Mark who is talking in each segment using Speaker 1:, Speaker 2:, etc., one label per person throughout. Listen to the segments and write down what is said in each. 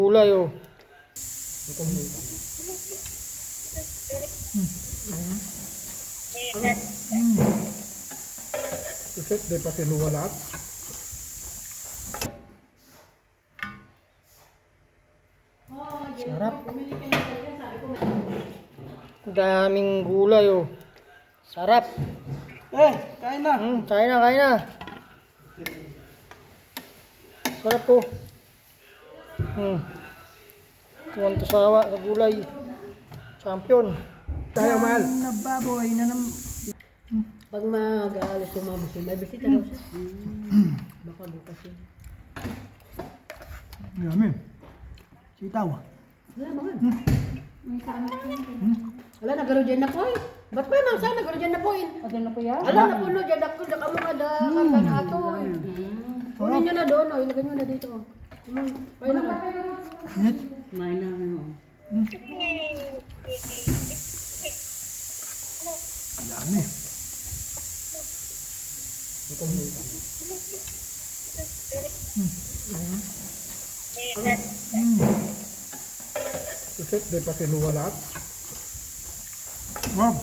Speaker 1: Gulay oh.
Speaker 2: Iset, di pa kinuha lahat.
Speaker 1: Sarap. Daming gulay oh. Sarap.
Speaker 2: Kain na.
Speaker 1: Kain na, kain na. Sarap po. Tuwan to sawa sa gulay. Champion.
Speaker 2: Tayo, mahal.
Speaker 1: Nababoy na nam.
Speaker 3: Pag mag-aalis yung mga busin, may bisita daw siya. Baka bukas yun.
Speaker 2: Yummy. Sitaw.
Speaker 3: Wala mga. Wala, nagaro dyan na po eh. Ba't pa yung mga saan? Nagaro dyan na po eh.
Speaker 4: Ano na po yan?
Speaker 3: Wala na po no, dyan ako na mga karga na ato eh. Kunin nyo na doon, oh. Ilagay nyo na dito. Kaya na ka. Kumain na ano.
Speaker 2: Yummy. Iset, di pa kinuha lahat. Wow.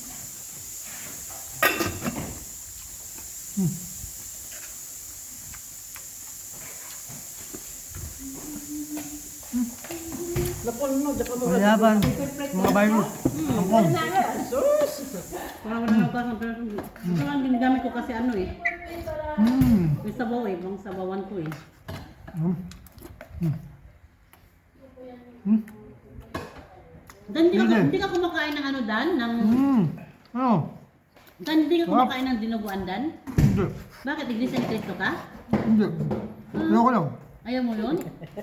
Speaker 3: Lapon mo, dapa mo.
Speaker 2: Mayaban. Mga bayo. Angkong.
Speaker 3: Sus! Parang wala na parang ito lang ginagamit ko kasi ano eh. May sabaw eh, bang sabawan ko eh. Dan, hindi ka kumakain ng ano Dan? Ng,
Speaker 2: Ano?
Speaker 3: Dan, hindi ka kumakain ng dinuguan Dan?
Speaker 2: Hindi.
Speaker 3: Bakit? Iglesia ni Cristo ka?
Speaker 2: Hindi. Ayoko lang.
Speaker 3: Ayaw mo yun?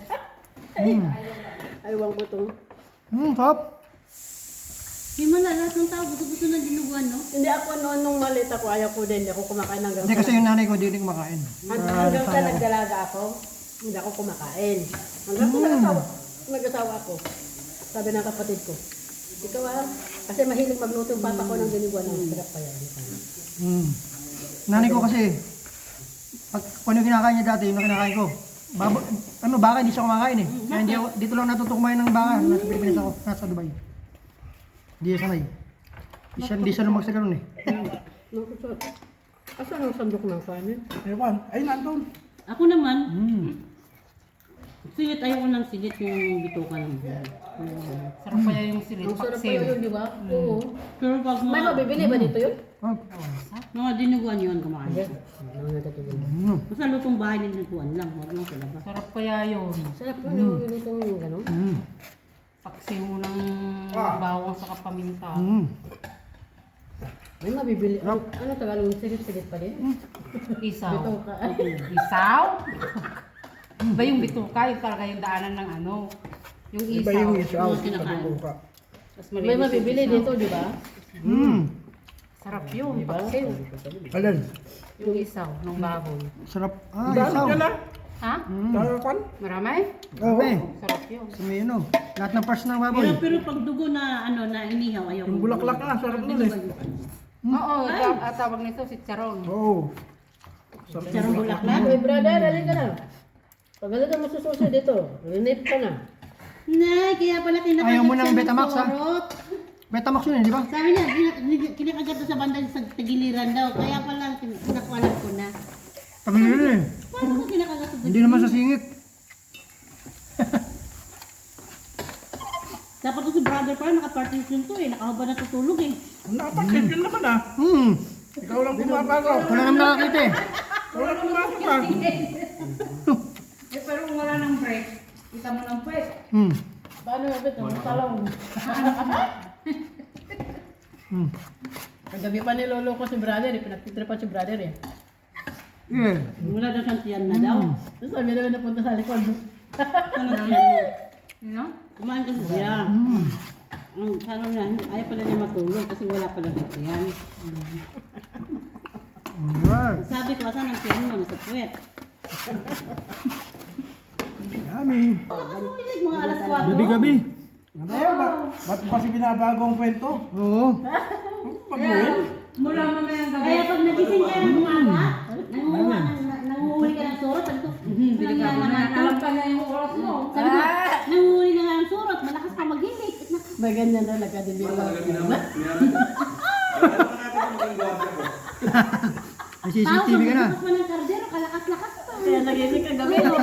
Speaker 3: Ayaw ko itong.
Speaker 2: Sarap.
Speaker 3: Hindi mo lahat ng tao gusto ng dinuguan, no? Hindi ako noon nung malit ako, ayaw ko din. Hindi ako kumakain hanggang
Speaker 2: Hindi kasi yung nanay ko, hindi kumakain.
Speaker 3: hanggang sa nagdalaga ako, hindi ako kumakain. Hanggang sa nag-asawa ako. Sabi ng kapatid ko, ikaw kasi mahilig magluto yung papa ko ng dinuguan ng sarap pa yan.
Speaker 2: Nanay ko kasi, pag kung yung kinakain niya dati, yung kinakain ko, baka hindi siya kumakain eh. Kaya hindi ako, dito lang natuto kumain ng baka. Nasa Pilipinas ako, nasa Dubai. Hindi siya sanay. Hindi siya lumag sa ganun eh.
Speaker 3: Nakusot. Asan ang sandok ng kanin?
Speaker 2: Ewan, ay nandun.
Speaker 5: Ako naman, sigit ayoko ng sigit yung bituka ng buhay.
Speaker 4: Sarap kaya yung silit.
Speaker 3: Ang sarap pa yun, di ba? Oo.
Speaker 5: Pero pag
Speaker 3: May
Speaker 5: mga,
Speaker 3: mabibili ba dito yun?
Speaker 5: mga dinuguan yun kumain.
Speaker 3: Ano natutulog?
Speaker 5: Basta lutong bahay ng dinuguan lang, huwag lang sa labas.
Speaker 4: Sarap kaya yun.
Speaker 3: Sarap yun, yung luto yung gano'n.
Speaker 4: Paksiw mo ng bawang sa kapaminta.
Speaker 3: May mabibili. Ano Tagalog? Sigit-sigit pa din?
Speaker 4: Isaw.
Speaker 3: Bituka.
Speaker 4: Isaw? Ba yung bituka, yung talaga yung daanan ng ano. Yung
Speaker 2: Iba
Speaker 4: isaw.
Speaker 2: yung isaw.
Speaker 5: Yung kinakain.
Speaker 2: Pagbuka.
Speaker 4: Mas
Speaker 3: May
Speaker 4: malinis
Speaker 3: mabibili
Speaker 4: yung isaw.
Speaker 3: dito, di ba?
Speaker 4: Sarap yun.
Speaker 3: Di ba?
Speaker 4: Paksiw.
Speaker 2: Alin?
Speaker 4: Yung isaw ng baboy.
Speaker 2: Sarap. Isaw.
Speaker 4: Ha? Marami?
Speaker 2: Okay.
Speaker 4: Sarap yun.
Speaker 2: Sumino. Lahat ng parts ng baboy.
Speaker 5: Pero pag dugo na ano na inihaw, ayoko.
Speaker 2: Yung bulaklak na, sarap nun eh.
Speaker 4: Oo, tawag nito si Charon.
Speaker 2: Oo.
Speaker 5: Sarong bulaklak.
Speaker 3: Ay, brother, halika na. Pag halika mo sususi dito, rinip ka na.
Speaker 5: Nay, kaya pala kinakagat
Speaker 2: Ayaw mo ng
Speaker 5: siya
Speaker 2: Betamax, ha?
Speaker 5: sorot.
Speaker 2: Betamax yun eh, di ba?
Speaker 5: Sabi niya, kinakagat na sa banda sa tagiliran daw. Kaya pala, nakualat ko na.
Speaker 2: Pagkakita eh.
Speaker 5: Paano ko kinakagat sa
Speaker 2: Hindi naman sa singit.
Speaker 5: Dapat ko si brother pa, naka-partition to eh. Nakahaba na tutulog eh.
Speaker 2: Napakit yun naman ah. Ikaw lang pumapagaw. Wala naman nakakita eh. Wala naman nakakita.
Speaker 4: Pero kung wala ng break, kita mo ng break.
Speaker 3: Paano yung bit? Ang talong. Kagabi pa nilolo ko si brother eh. Pinagtitripan si brother eh.
Speaker 2: Yeah.
Speaker 5: Wala daw siyang tiyan na daw.
Speaker 3: Tapos sabi namin napunta sa likod.
Speaker 5: Ano tiyan niya?
Speaker 4: No?
Speaker 5: Kumain kasi siya. Ang ano niya, ayaw pala niya matulog kasi wala pala sa tiyan.
Speaker 2: Alright.
Speaker 5: Sabi ko, asan ang tiyan mo? Nasa puwet.
Speaker 2: Yummy.
Speaker 5: Ano pinig mga alas 4?
Speaker 2: Gabi-gabi.
Speaker 6: Ba't kasi binabago ang kwento?
Speaker 2: Oo.
Speaker 4: Mula mo na yung gabi.
Speaker 5: Kaya pag nagising kayo ng umaga, nangunguha nanguhuli ka ng surot. Sabi ko,
Speaker 4: Delikado na. Alam pa niya yung oras mo.
Speaker 5: sabi ko, nanguhuli ka nga ng surot. Malakas ka maghilig.
Speaker 3: May ganyan talaga, di ba?
Speaker 2: May CCTV ka na.
Speaker 5: Tapos mo ng kardero, kalakas-lakas pa.
Speaker 3: Kaya nagising ka gabi, no?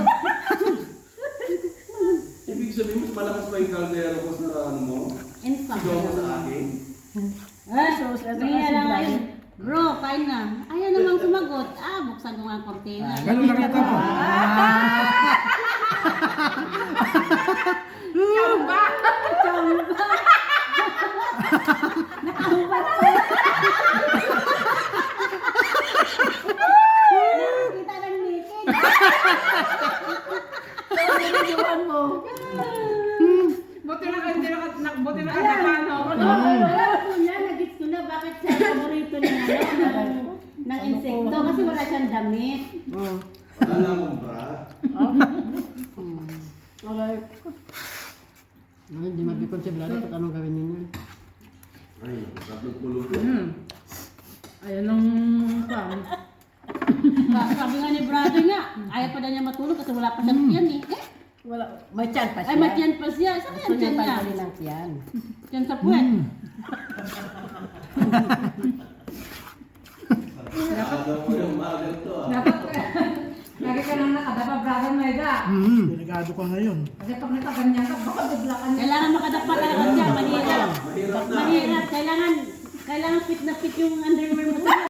Speaker 7: Ibig sabihin, mas malakas pa yung kaldero ko sa ano mo?
Speaker 5: Instant.
Speaker 7: Sigaw mo sa akin.
Speaker 5: Kaya lang ngayon, bro, kain na. Ayaw namang sumagot. Buksan ko nga ang kortina.
Speaker 6: Ganun nakita ko.
Speaker 5: Nakahubad ko. Kita ng naked.
Speaker 3: Iwan mo.
Speaker 4: Buti na kayo, buti na kayo paano.
Speaker 5: Wala ko na, nagits ko na bakit siya paborito ng insekto kasi wala siyang damit.
Speaker 7: Wala na akong bra.
Speaker 3: Okay. Hindi magkikonsiblado kung anong gawin ninyo.
Speaker 7: Ay, tatlong pulong.
Speaker 4: Ayun ang pan.
Speaker 5: Sabi nga ni brother nga, ayaw pa na niya matulog kasi wala pa siyang tiyan eh.
Speaker 3: Wala. May tiyan pa siya.
Speaker 5: Ay, matiyan pa siya. Saan
Speaker 3: Gusto
Speaker 5: yung
Speaker 3: niya
Speaker 5: tiyan niya?
Speaker 3: tanggalin ang tiyan.
Speaker 5: Tiyan sa puwet.
Speaker 7: Nakadaw ko yung magal to ah.
Speaker 4: Lagi ka nang nakadapa, brother Maida.
Speaker 6: Delikado ka ngayon.
Speaker 4: Kasi pag nakaganyan ka, baka bigla ka niya.
Speaker 5: Kailangan makadapa talaga siya. Mahirap.
Speaker 7: Mahirap na.
Speaker 5: Mahirap. Kailangan fit na fit yung underwear mo sa